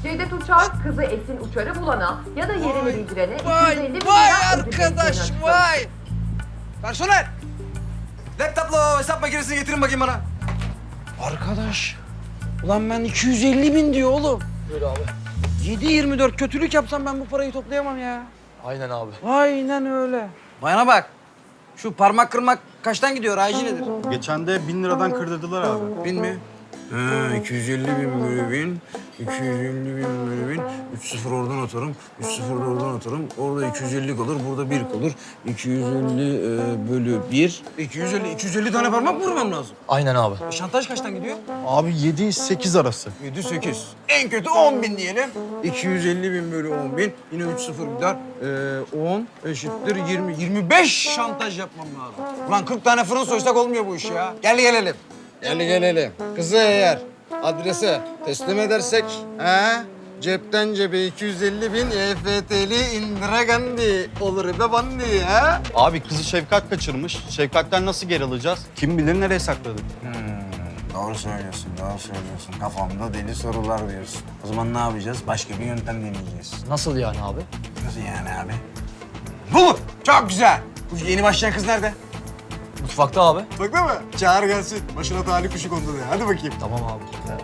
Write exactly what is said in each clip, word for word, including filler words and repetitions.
Cevdet Uçar, kızı Esin Uçar'ı bulana ya da yerini bildirene iki yüz elli bin lira Vay ödül arkadaş verileceğini vay. Personel. Laptopla hesap makinesini getirin bakayım bana. Arkadaş. Ulan ben iki yüz elli bin diyor oğlum. Böyle abi. yedi yirmi dört kötülük yapsam ben bu parayı toplayamam ya. Aynen abi. Aynen öyle. Bayana bak. Şu parmak kırmak kaçtan gidiyor? Aycı nedir? Geçen de bin liradan kırdırdılar abi. Bin mi? Ha, iki yüz elli bin bölü bin, iki yüz elli bin bölü bin, üç sıfır oradan atarım, üç sıfır da oradan atarım. Orada iki yüz elli kalır, burada bir kalır. iki yüz elli e, bölü bir. iki yüz elli, iki yüz elli tane parmak mı vurmam lazım? Aynen abi. E, şantaj kaçtan gidiyor? Abi yedi sekiz arası. yedi sekiz. En kötü on bin diyelim. iki yüz elli bin bölü on bin. Yine üç sıfır gider. Ee, on eşittir yirmi. yirmi beş şantaj yapmam lazım. Ulan kırk tane fırın soysak olmuyor bu iş ya. Gel gelelim. Gel gelelim. Kızı eğer adrese teslim edersek, he? Cepten cebe iki yüz elli bin E F T'li Indira Gandhi olur be bandi ha? Abi kızı Şefkat kaçırmış. Şefkat'ten nasıl geri alacağız? Kim bilir nereye sakladı? Hmm, doğru söylüyorsun, doğru söylüyorsun. Kafamda deli sorular diyorsun. O zaman ne yapacağız? Başka bir yöntem deneyeceğiz. Nasıl yani abi? Nasıl yani abi? Bu! Çok güzel. Bu yeni başlayan kız nerede? Mutfakta abi. Bak değil mi? Çağır gelsin. Başına talih kuşu kondu diye. Hadi bakayım. Tamam abi.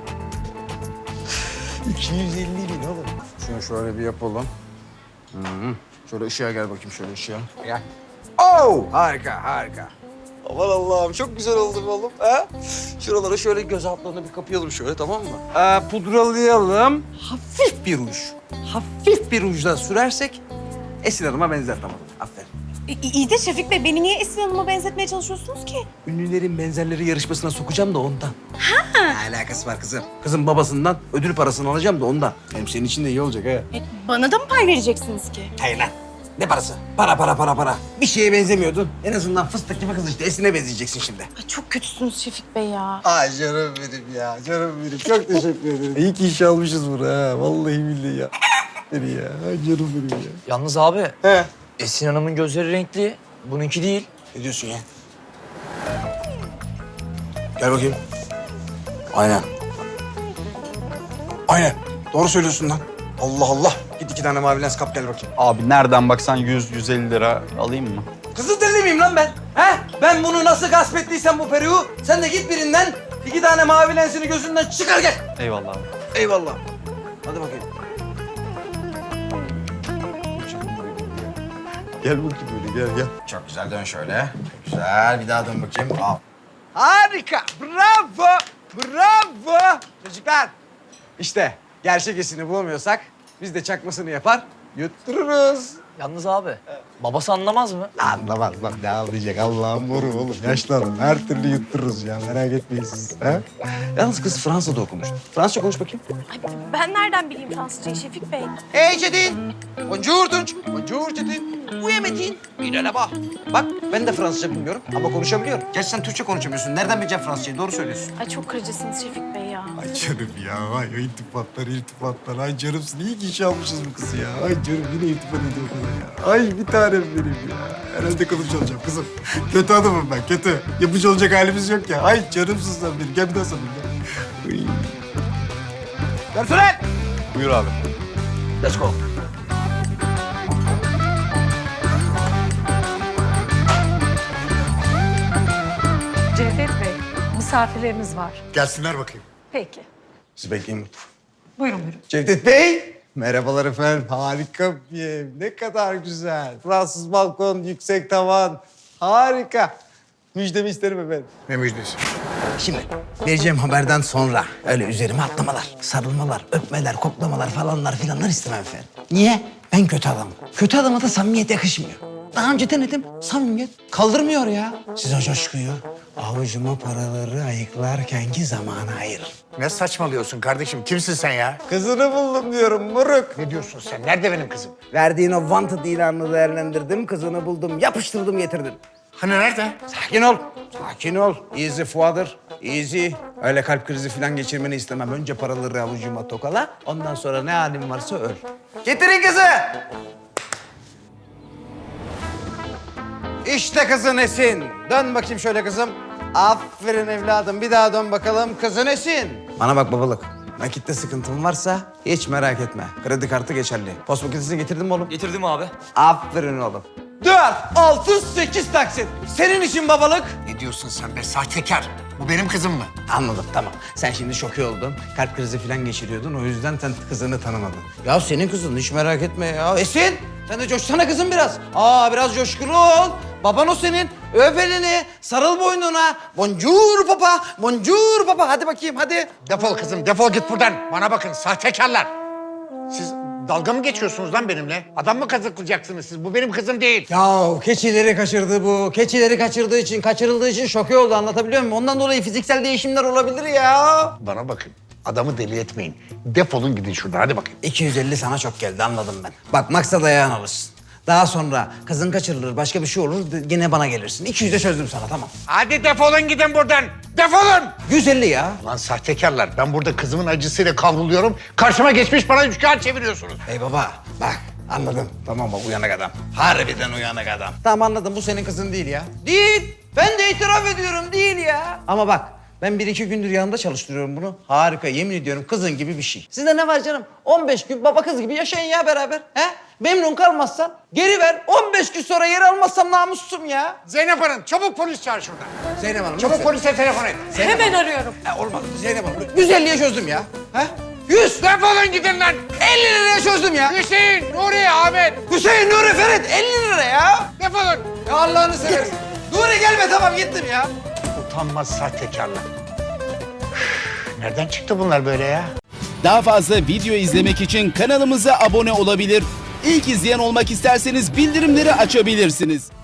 iki yüz elli bin oğlum. Şunu şöyle bir yapalım. Hı -hı. Şöyle ışığa gel bakayım, şöyle ışığa. Gel. Oo! Harika, harika. Aman Allah'ım, çok güzel oldu oğlum. Ha? Şuralara şöyle göz altlarına bir kapayalım şöyle, tamam mı? Ee, pudralayalım. Hafif bir ruj. Hafif bir rujla sürersek Esin Hanım'a benzer, tamam. Aferin. İ- İyi de Şefik Bey, beni niye Esin Hanım'a benzetmeye çalışıyorsunuz ki? Ünlülerin benzerleri yarışmasına sokacağım da ondan. Ha. Ne alakası var kızım? Kızın babasından ödül parasını alacağım da ondan. Hem senin için de iyi olacak ha. E, bana da mı pay vereceksiniz ki? Hayır lan. Ne parası? Para, para, para, para. Bir şeye benzemiyordun. En azından fıstık gibi kız işte. Esin'e benzeyeceksin şimdi. Ay, çok kötüsünüz Şefik Bey ya. Ay canım benim ya. Canım benim. Çok teşekkür ederim. İyi ki iş almışız bunu ha. Vallahi billahi ya. Beni ya. Ay canım benim ya. Yalnız abi, He. Esin Hanım'ın gözleri renkli. Bununki değil. Ne diyorsun ya? Gel bakayım. Aynen. Aynen. Doğru söylüyorsun lan. Allah Allah. Git iki tane mavi lens kap gel bakayım. Abi nereden baksan yüz yüz elli lira alayım mı? Kızı deli miyim lan ben? He? Ben bunu nasıl gasp ettiysem bu periğu, sen de git birinden iki tane mavi lensini gözünden çıkar gel. Eyvallah abi. Eyvallah. Hadi bakayım. Gel bakayım böyle gel gel. Çok güzel dön şöyle. Güzel bir daha dön bakayım. Al. Harika. Bravo. Bravo. Çocuklar. İşte gerçek esini bulamıyorsak biz de çakmasını yapar yuttururuz. Yalnız abi, babası anlamaz mı? Anlamaz lan, ne anlayacak Allah'ım moru oğlum. Yaşlı adam, her türlü yuttururuz ya, merak etmeyin siz. Ha? Yalnız kız Fransa'da okumuş. Fransızca konuş bakayım. Ay, ben nereden bileyim Fransızcayı Şefik Bey? Hey Çetin. Bonjour Tunç. Bonjour Çetin. Oui Metin. Il est là-bas. Bak ben de Fransızca bilmiyorum ama konuşabiliyorum. Gerçi sen Türkçe konuşamıyorsun. Nereden bileceğim Fransızcayı? Doğru söylüyorsun. Ay, çok kırıcısınız Şefik Bey ya. Ay canım ya, ay iltifatlar, iltifatlar. Ay canımsın, iyi ki iş almışız bu kızı ya. Ay canım yine iltifat ediyor bana ya. Ay bir tanem benim ya. Herhalde kılıç olacağım kızım. Kötü adamım ben, kötü. Yapıcı olacak halimiz yok ya. Ay canımsın sen benim. Gel bir daha sarılayım ya. Uy. Personel. Buyur abi. Let's go. Cevdet Bey, misafirlerimiz var. Gelsinler bakayım. Peki. Siz bekleyin. Buyurun buyurun. Cevdet Bey. Merhabalar efendim. Harika bir ev. Ne kadar güzel. Fransız balkon, yüksek tavan. Harika. Müjdemi isterim efendim. Ne müjdesi? Şimdi vereceğim haberden sonra öyle üzerime atlamalar, sarılmalar, öpmeler, koklamalar falanlar filanlar istemem efendim. Niye? Ben kötü adamım. Kötü adama da samimiyet yakışmıyor. Daha önce denedim. Samimiyet kaldırmıyor ya. Siz o coşkuyu avucuma paraları ayıklarkenki zamana ayırın. Ne saçmalıyorsun kardeşim? Kimsin sen ya? Kızını buldum diyorum moruk. Ne diyorsun sen? Nerede benim kızım? Verdiğin o wanted ilanını değerlendirdim, kızını buldum, yapıştırdım, getirdim. Hani nerede? Sakin ol, sakin ol. Easy Father, easy. Öyle kalp krizi falan geçirmeni istemem. Önce paraları avucuma tokala, ondan sonra ne halin varsa öl. Getirin kızı! İşte kızın Esin. Dön bakayım şöyle kızım. Aferin evladım. Bir daha dön bakalım. Kızın Esin. Bana bak babalık. nakitte sıkıntın varsa hiç merak etme. Kredi kartı geçerli. Post makinesini getirdin mi oğlum? Getirdim abi. Aferin oğlum. Dört, altı, sekiz taksit. Senin için babalık. Ne diyorsun sen be sahtekar? Bu benim kızım mı? Anladım, tamam. Sen şimdi şoke oldun. Kalp krizi falan geçiriyordun. O yüzden sen kızını tanımadın. Ya senin kızın, hiç merak etme ya. Esin, sen de coşsana kızım biraz. Aa, biraz coşkulu ol. Baban o senin. Öp elini, sarıl boynuna. Bonjour papa, bonjour papa. Hadi bakayım, hadi. Defol kızım, defol git buradan. Bana bakın sahtekarlar. Siz dalga mı geçiyorsunuz lan benimle? Adam mı kazıklayacaksınız siz? Bu benim kızım değil. Ya keçileri kaçırdı bu. Keçileri kaçırdığı için, kaçırıldığı için şoke oldu, anlatabiliyor muyum? Ondan dolayı fiziksel değişimler olabilir ya. Bana bakın. Adamı deli etmeyin. Defolun gidin şuradan. Hadi bakayım. iki yüz elli sana çok geldi, anladım ben. Bak maksat ayağın alırsın. Daha sonra kızın kaçırılır, başka bir şey olur, yine bana gelirsin. iki yüze çözdüm sana, tamam. Hadi defolun gidin buradan. Defolun. yüz elli ya. Lan sahtekarlar. Ben burada kızımın acısıyla kavruluyorum. Karşıma geçmiş bana üç kağıt çeviriyorsunuz. Ey baba, bak anladım. Tamam bak, uyanık adam. Harbiden uyanık adam. Tamam anladım, bu senin kızın değil ya. Değil. Ben de itiraf ediyorum, değil ya. Ama bak, ben bir iki gündür yanında çalıştırıyorum bunu. Harika, yemin ediyorum kızın gibi bir şey. Sizde ne var canım? on beş gün baba kız gibi yaşayın ya beraber. He? Memnun kalmazsan geri ver. on beş gün sonra yer almazsam namussuzum ya. Zeynep Hanım çabuk polis çağır şuradan. Zeynep Hanım. Çabuk lütfen. polise telefon et. Hemen arıyorum. Ha, olmadı. Zeynep Hanım. yüz elliye çözdüm ya. He? yüz. Defolun gidin lan. elli liraya çözdüm ya. Hüseyin, Nuri, Ahmet. Hüseyin, Nuri, Ferit elli lira ya. Defolun. Ya Allah'ını seversen. Nuri gelme, tamam gittim ya. Utanmaz sahtekarlar. Üf, nereden çıktı bunlar böyle ya? Daha fazla video izlemek için kanalımıza abone olabilir. İlk izleyen olmak isterseniz bildirimleri açabilirsiniz.